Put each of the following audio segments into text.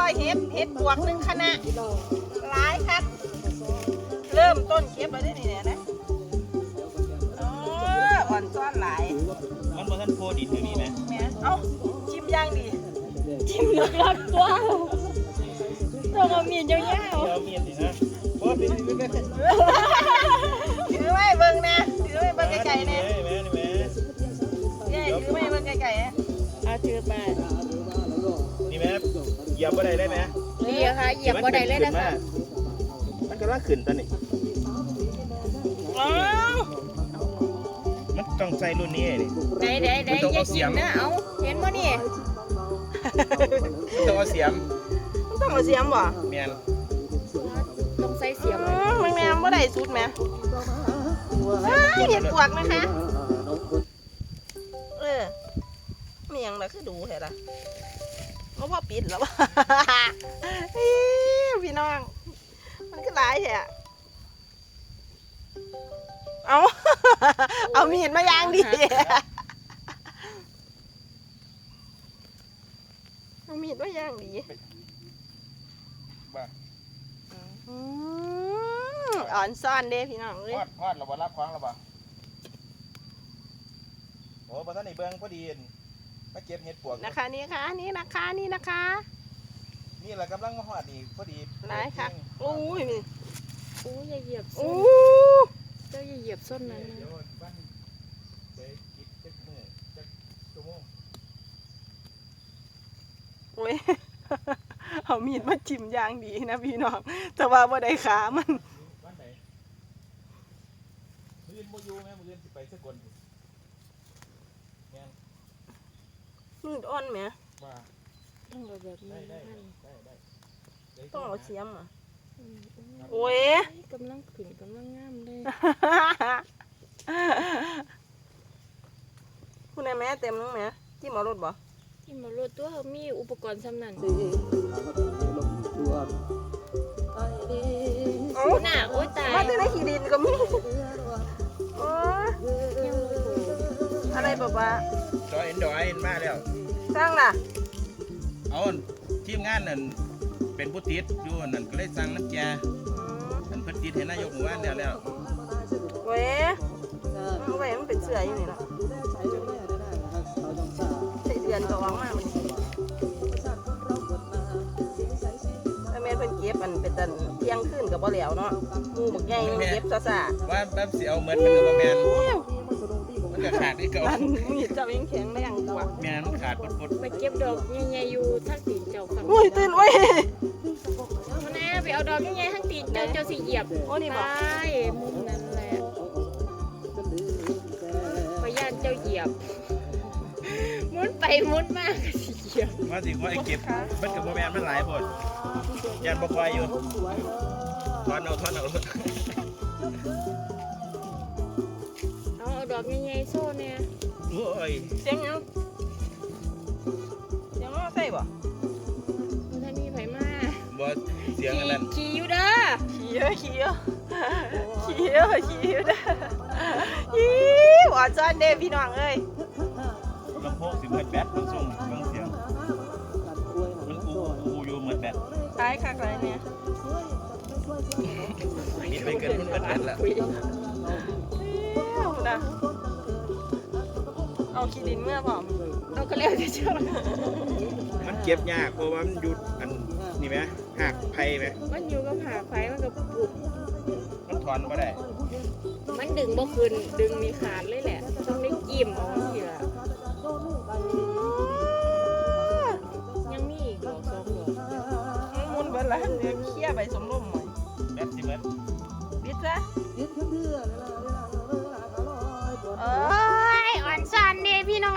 เฮ็ดบวกหนึ่งคณะหลายครับเริ่มต้นเก็บมาได้นี่เนี่ยนะอ่อนซ้อนหลายมันบ่ทันโพดินมีไหมแม่เอ้าชิมย่างดีชิมลึกลับตัวต้องเอามีดยาวๆเอามีดสินะโอ้ยถือไว้เบิ่งนะถือไว้เบิ่งไก่ๆเนี่ยแม่นี่แม่ถือไว้เบิ่งไก่ๆนะเอาถือไปนี่แม่เหยียบบ่ได้เลยแม่เหยียบค่ะเหยียบบ่ได้เลยนะคะมันกำลังขึ้นตอนนี้มันต้องใส่รุ่นนี้นี่ได้อย่ากินนะเอาเห็นบ่นี่ต้องเอาเสียมต้องเอาเสียมบ่แม่นต้องใส่เสียมแม่บ่ได้สุดแม่เห็ดปวกนะคะมีหยังล่ะคือดูแท้ล่ะบ่พอปิดแล้วพี่น้องมันก็หลายแท้เอามีดมาย่างดิเอามีดมาย่างดิอ่อนซ่อนเด้พี่น้องเลยทอดเราบ่รับของเราบ่โอ้บ่ทันได้เบิ่งพอดีมาเก็บเห็ดปวกนะคะนี่นะคะนี่แหละกำลังมาฮอดนี่พอดีหลายค่ะโอ้ยอย่าเหยียบเจ้าอย่าเหยียบส้นนั้นโอ้ยเอามีดมาจิ้มย่างดีนะพี่น้องแต่ว่าบ่ได้ขามันมื้อบ่อยู่แม่มื้อสิไปสกลแม่นมืดอ่อนแม่ว่าต้องเอาแบบนี้ได้ต้องเอาเสียมอ่ะโอ้ยกำลังขึ้นกำลังงามเลยคุณแม่เต็มนึงแม่จิ้มเอารถบ่จิ้มเอารถตัวเขามีอุปกรณ์สำนันโอ้หน้าโอ้ยตายมาได้ขี้ดินก็มีโอ้อะไรบ้าดอยมาแล้วสร้างล่ะเอาทีมงานนั่นเป็นผู้ติดอยู่นั่นก็เลยสั่งน้ำแกนั่นเพิ่นติดให้นายกหมู่บ้านแล้วเว้ยมันเป็นเสืออยู่นี่เนาะใส่เดือนก็ออกมามันแม่เพิ่นเก็บมันเป็นตันเที่ยงคืนกับบ่แล้วเนาะงูบักใหญ่เก็บซ่าว่าแป๊บสิเอาเหมือนมันก็บ่แม่นมันก็ขาดอีกเก่ามีเจ้ายังแข็งแรงกว่าแม่มันขาดปดไปเก็บดอกใหญ่ๆอยู่ทั้งตีนเจ้าฝั่งโอ้ยตื่นโอ้ยมาแน่ไปเอาดอกใหญ่ๆทั้งตีนเจ้าสิเหยียบโอ้นี่บ่มุมนั้นแหละพยานเจ้าเหยียบมุนไปมุนมากก็สิเหยียบว่าสิว่าไอ้เก็บมันก็บ่แม่นมันหลายพดยันบ่ค่อยอยู่ทอนเอาเอาดอกใหญ่ๆโซ่เนี่ยโอ้ยเสียงว่าใส่บ่ท่านมีไผมาบ่เสียงอันนั้นขี่อยู่เด้อขี่เด้อหวานซ่อนเด้พี่น้องเอ้ยลำโพงสิเหมือนแบตมันส่งเสียงมันอูอยู่เหมือนแบตคล้ายคักอะไรเนี่ยนี่ไปเกินมันเป็นแบตแล้วเอาขี้ดินเมื่อพร้อมเอาก็เรียกเฉยมันเก็บยากเพราะว่ามันหยุดอันนี่ไหมหักไผ่ไหมมันอยู่กับหักไผ่มันก็ปุบมันถอนไม่ได้มันดึงบ่คืนดึงมีขาดเลยแหละต้องได้กิ่มเอาทีละยังมีอีกดอกสองดอกมุนเบิดแล้วเนี่ยเคี่ยใบสมร่มหน่อยแบบสิเบิดบิดซะอ่อนซ่อนเด้พี่น้อง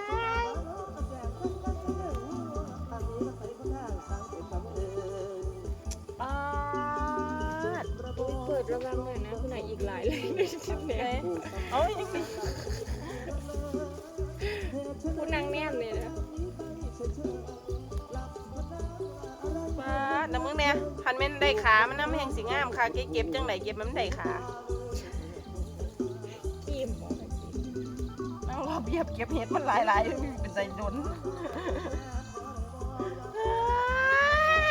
เปิดระวังเลยนะคุณนายอีกหลายเลยเนี่ยเอาอย่างนี้คุณนางแนมเลยนะป้าน้ำมึงเนี่ยพันเม่นได้ขามันน้ำแห้งสีงามค่ะเก็บจังไหนเก็บมันได้ขานั่งรอเบียบเก็บเห็ดมันหลายๆเป็นใจดน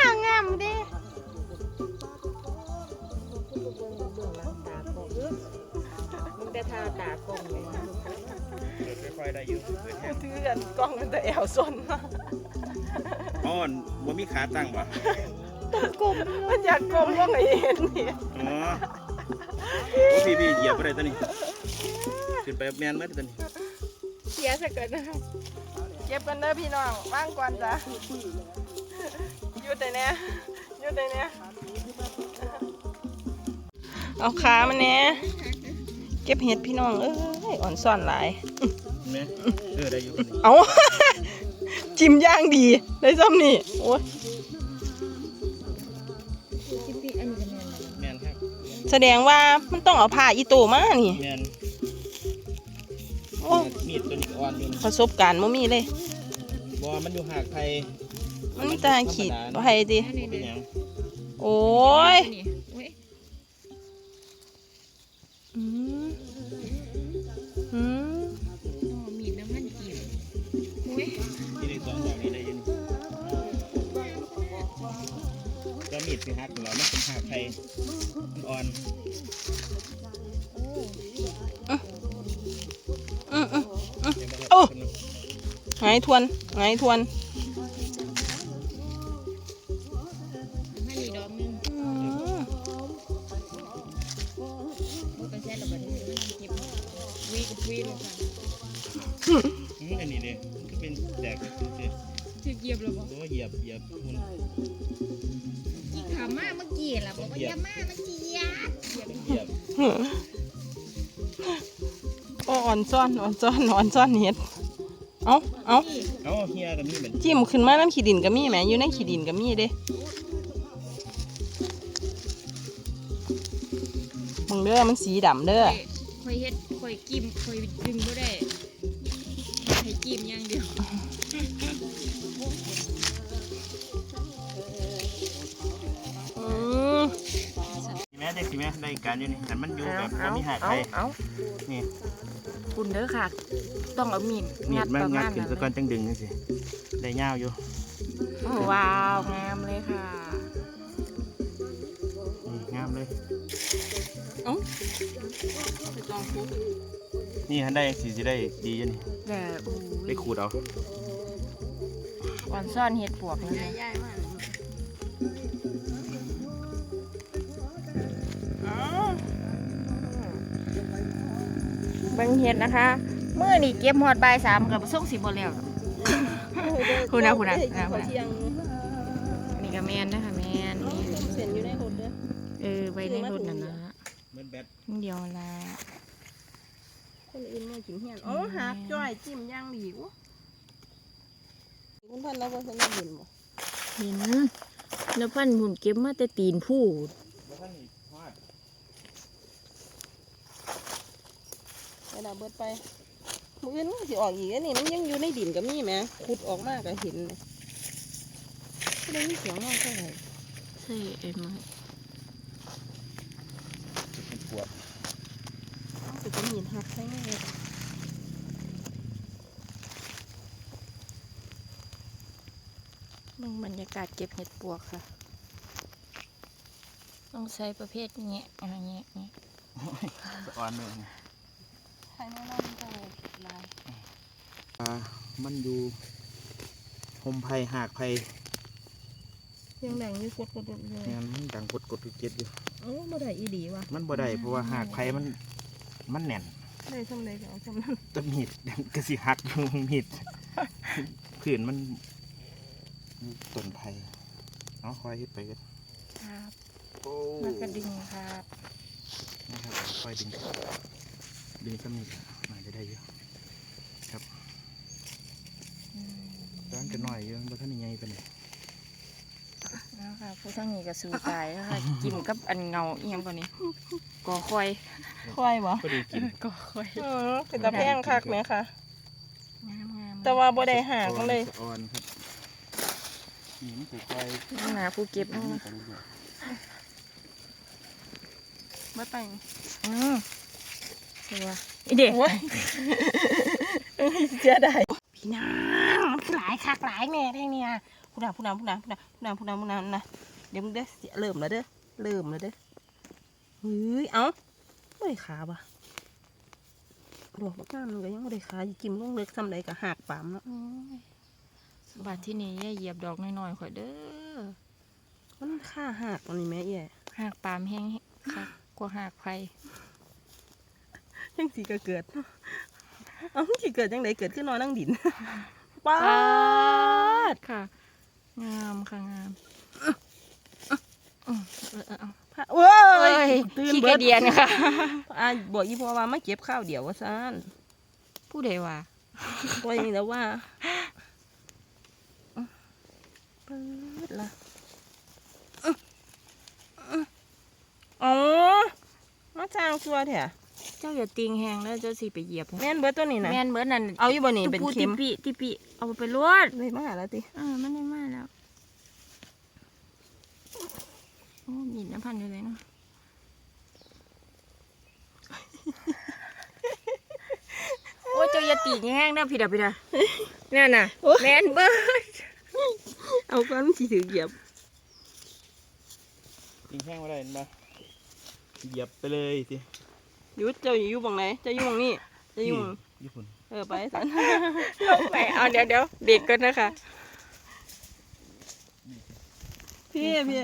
ระทาตากล้องเลยนะเปิดค่อยๆได้อยู่เปิดแห้งถือกันกล้องมันแต่แอวซนอ้อนบ่มีขาตั้งบ่มันอยากกลมว่าไงเห็นนี่อ๋อโอ้พี่เหยียบบ่ได้ตัวนี้ขึ้นไปแม่นเมื่อตัวนี้เสียสักก่อนนะคะเก็บกันเด้อพี่น้องว่างก่อนจ้ะหยุดได้แน่หยุดได้แน่เอาขามันแน่เก็บเห็ดพี่น้องเอ้ยอ่อนซ่อนหลายแม่ได้อยู่ตัวนี้เอา จิ้มย่างดีได้ซ้ำนี่โอ้ยจิ๊บปี้อันนี้ก็แม่นนะแม่นครับแสดงว่ามันต้องเอาผ้าอีโตมานี่แม่นโอ้มีดตัวนี้อ่อนอยู่ประสบการณ์บ่มีเลยบ่มันอยู่หากไผมันมีแต่ขีดไปดิเป็นหยังโอ้ยนี่โอ้ยอืมอืมอ๋อมีดน้ำมันกีบโอ้ยนี่ได้2ดอกนี่ได้อยู่นี่ก็มีดสิหักแล้วมันเป็นหากไผมันอ่อนอืมเดี๋ยวบ่โอ้ครับไงทวนไงทวนให้นี่ดอกนึงอืมโอ้ยเป็นแซ่บแบบนี้มันเก็บวีกับวีลงค่ะอันนี้ดิมันก็เป็นแตกซื่อถือเหยียบแล้วบ่ๆตัวเหยียบมันกี่ขามาเมื่อกี้ล่ะบอกว่าอย่ามาเมื่อกี้เหยียบเหยียบโอ้อ่อนซ่อนเห็ดเอาเอ้าเฮียก็มีเหมือนจิ้มขึ้นมาน้ำขี้ดินก็มีแหมอยู่ในขี้ดินก็มีเด้มึงเด้อมันสีดำเด้อคอยเฮ็ดคอยกิมคอยดึงบ่ได้ให้กิมอย่างเดียวอืมแม่ได้สิแม่ได้การอยู่นี่หันมันอยู่แบบบ่มีหากไผนี่คุณเด้อค่ะ ต้องเอามีดมีงัดดมาประงัมาดณขึ้นนั้นซะก่อนจังดึงจังซี่ได้ยาวอยู่ว้าวงามเลยค่ะนี่งามเลยไปจองคุกนี่หันได้สิได้ดีอยู่นี่แต่อู้ได้ขูดเอาวันซ่อนเห็ดปวกนี่นะใหญ่มากเบิ่งเห็ดนะคะเมื่อนี่เก็บหอดบ่าย3กับส่งสิบ่แล้ว คุณนะเที่ยงนี่ก็แม่นนะคะแม่นนี่เส้นอยู่ในรถเด้อไว้ในรถนั่นนะเหมือนแบตนิดเดียวละคนอื่นมากินเฮียนอ๋อหักจ้อยจิ้มย่างดีวะคุณพันเราเป็นคนญี่ปุ่นบ่เห็นแล้วพันหมุนเก็บมาแต่ตีนผู้บ่ทันนี่ฮอดไปดาเบิดไปมืออื่นมันสิออกอีกอันนี่มันยังอยู่ในดินก็มีแหมขุดออกมาก็เห็นเลยไม่ได้ยินเสียงน้องเท่าไหร่ใช่ไอ้มาเป็นปวดสุดจะมีหักใช่ไหมเบิ่งบรรยากาศเก็บเห็ดปวกค่ะ ต้องใช้ประเภทเงี้ยอะไรเงี้ยนี่สะอ่อนเลยใครไม่รอดก็ลายมันอยู่หมไผ่หากไผ่เสียงแดงอยู่กดเลยเนี่ยมันดังกดเจ็ดอยู่โอ้บ่ได้อีดีว่ะมันบ่ได้เพราะว่าหากไผ่มันแน่นได้ช่ำใดก็เอาช่ำนั้นต้นมีดกระสิหักอยู่มีดผื่นมันต้นไผ่เอาคอยเฮ็ดไปกันครับโอ้มากระดึงครับนะครับคอยดึงสำนีน่าจะได้เยอะครับร้านจะน้อยเยอะเพราะท่านยังไงเป็นนะคะผู้ทั้งนี้ก็สู้ตายนะคะ กินกับอันเงาเอียงกว่านี้ก่อคอยควายบ่ก็ดีกินก่อคอยเป็นตะแพงคักไหมคะงามๆแต่ว่าบ่ได้หากมันเลยอ่อนครับนี่มันคือคอยหนาผู้เก็บนะเมื่อไปใช่ว่าอีเด็กโอ้ยเสียดายพี่นางมันคือหลายคักหลายแม่แท่งเนี่ยผู้นำนะเดี๋ยวมึงเด้อเริ่มแล้วเด้อเฮ้ยเอ้าไม่ขาบ่ดอกบักงามมันก็ยังบ่ได้ขายจิ้มลงเล็กซ้ำใดก็หักปามเนาะโอ้ยบาดที่นี่อย่าเหยียบดอกน้อยๆข่อยเด้อมันค่าหักอันนี้แม่เอี่ยหากปามแห้งค่ะกว่าหากไผจังสิก็เกิดเนาะเอ้าสิเกิดจังไดเกิดขึ้นนอนนั่งดินป๊าดค่ะงามค่ะงามเอาโอ้เอ้ยยตื่นขี้เบิกระดเดียนค่ะบอกอีพ่อว่ามาเก็บข้าวเดี๋ยวว่าซั่นผู้ใดว่าว่าอย่างนี้แล้วว่าเปิดละอ๋อมาจ้างชัวแท้เจ้าอย่าติงแหงแล้วเจ้าสิไปเหยียบแม่นเบิดตัวนี้นะแม่นเบิดนั่นเอาอยู่บ่นี่เป็นตุปูเข็มติปิเอาไปลวดเลยมาแล้วติมันได้มาแล้วโอ้ยินน้ำพันอยู่เลยเนาะโอ้ยเจ้าอย่าติงแห้งนะพี่ดานั่นน่ะแม่นเบิดเอาก้อนมันสิถือเหยียบยิงแห้งมาได้เห็นปะเหยียบไปเลยสิยุดเจ้าอยู่บังไหนเจ้าอยู่บังนี่เจ้าอยู่บังญี่ปุ่นไปสันลงไปเอาเดี๋ยวเด็กก่อนนะคะพี่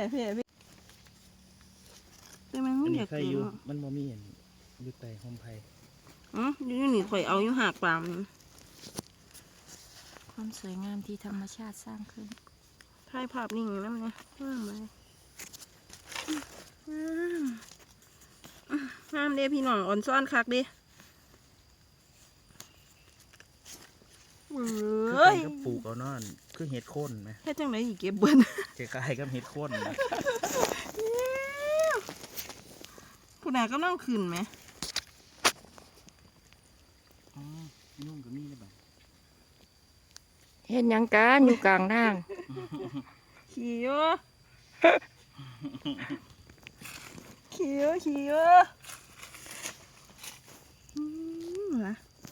แต่มันอัไม่นอนี้ยากใครกินอยู่เนาะมันบ่มีเห็นอยู่ใต้ห้องไผ่อยู่นี่ข่อยเอาอยู่หากปามนี่ความสวยงามที่ธรรมชาติสร้างขึ้นถ่ายภาพนิ่งนะมันนะว่างเลยงามเด้พี่น้องอ่อนซ้อนคักเดิคือกันก็ปลูกเอานอนคือเห็ดโค่นไหมแค่จังไหนอีกเก็บเบิ้ลคล้ายๆกับเห็ดโค่นนะผู้นายก็นั่งขึ้นไหมอ๋อยุ่งกับมีได้บ้างเห็นยังกันอยู่กลางทางขี่เยอะนะ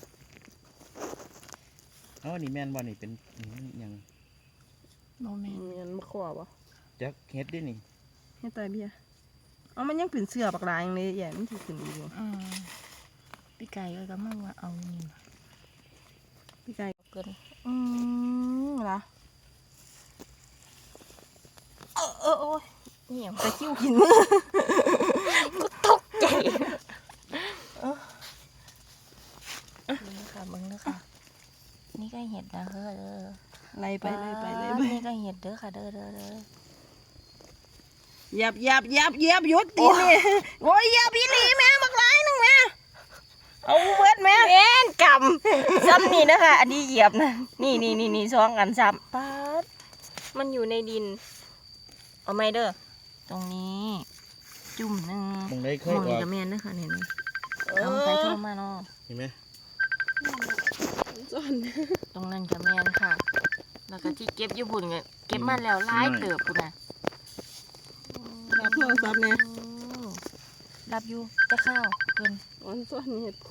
อ๋อนี่แม่นบ่นี่เป็นอย่างโมเมนต์มันมาขวบวะจักเห็ดดินี่ให้ตายเบี้ยเอามันยังเป็นเสื้อปากลายอย่างเลยแย่มันถือขึ้นอีกอยู่พี่ไก่ก็มาว่าเอานี่มาพี่ไก่เกินเหรอโอ้ยนี่อย่างตะคิ้วกินกูตกใจมึงค่ะมึงเด้อค่ะนี่ก็เห็ดนะเฮ้อเด้อไล่ไปเลยไปนี่ก็เห็ดเด้อค่ะเด้อเหยียบยุดตีนี่โอ้ยเหยียบพี่ลีแม่บักหลายหนึงแม่เอาเบิดแม่แม่นกำซ้ำนี่นะคะอันนี้เหยียบนะนี่สองอันซ้ำป๊าดมันอยู่ในดินเอาไหมเด้อตรงนี้จุ่มหนึ่งมองได้เคมยองอนี่อกกับแม่นนะคะเนี่ยเอาไปโทรมาเนาะเห็นไหมจอนตรงนั้นกับแม่นค่ะ แล้วก็ที่เก็บอยู่บุญเก็บมาแล้วหลายเติบปุ่นน่ะรับโทรศัพท์เนี่ยรับอยู่จะข้าวเกินอ่อนซ้อนเห็ด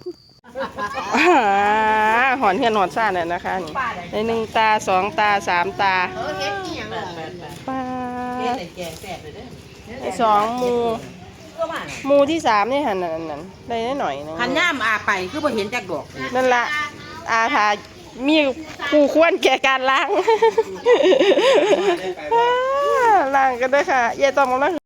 หอนเห็ดหอนซ่าเนี่ยนะคะนี่ในหนึ่งตาสองตาสามตาปลาไอ้สองมูที่สามนี่หันนั่นได้หน่อยนึงขันย่ามอาไปคือบ่เห็นจักดอกนั่นละอาทามีผู้ควรแก่การล้าง ล้างกันด้วยค่ะยายต้องมาล้าง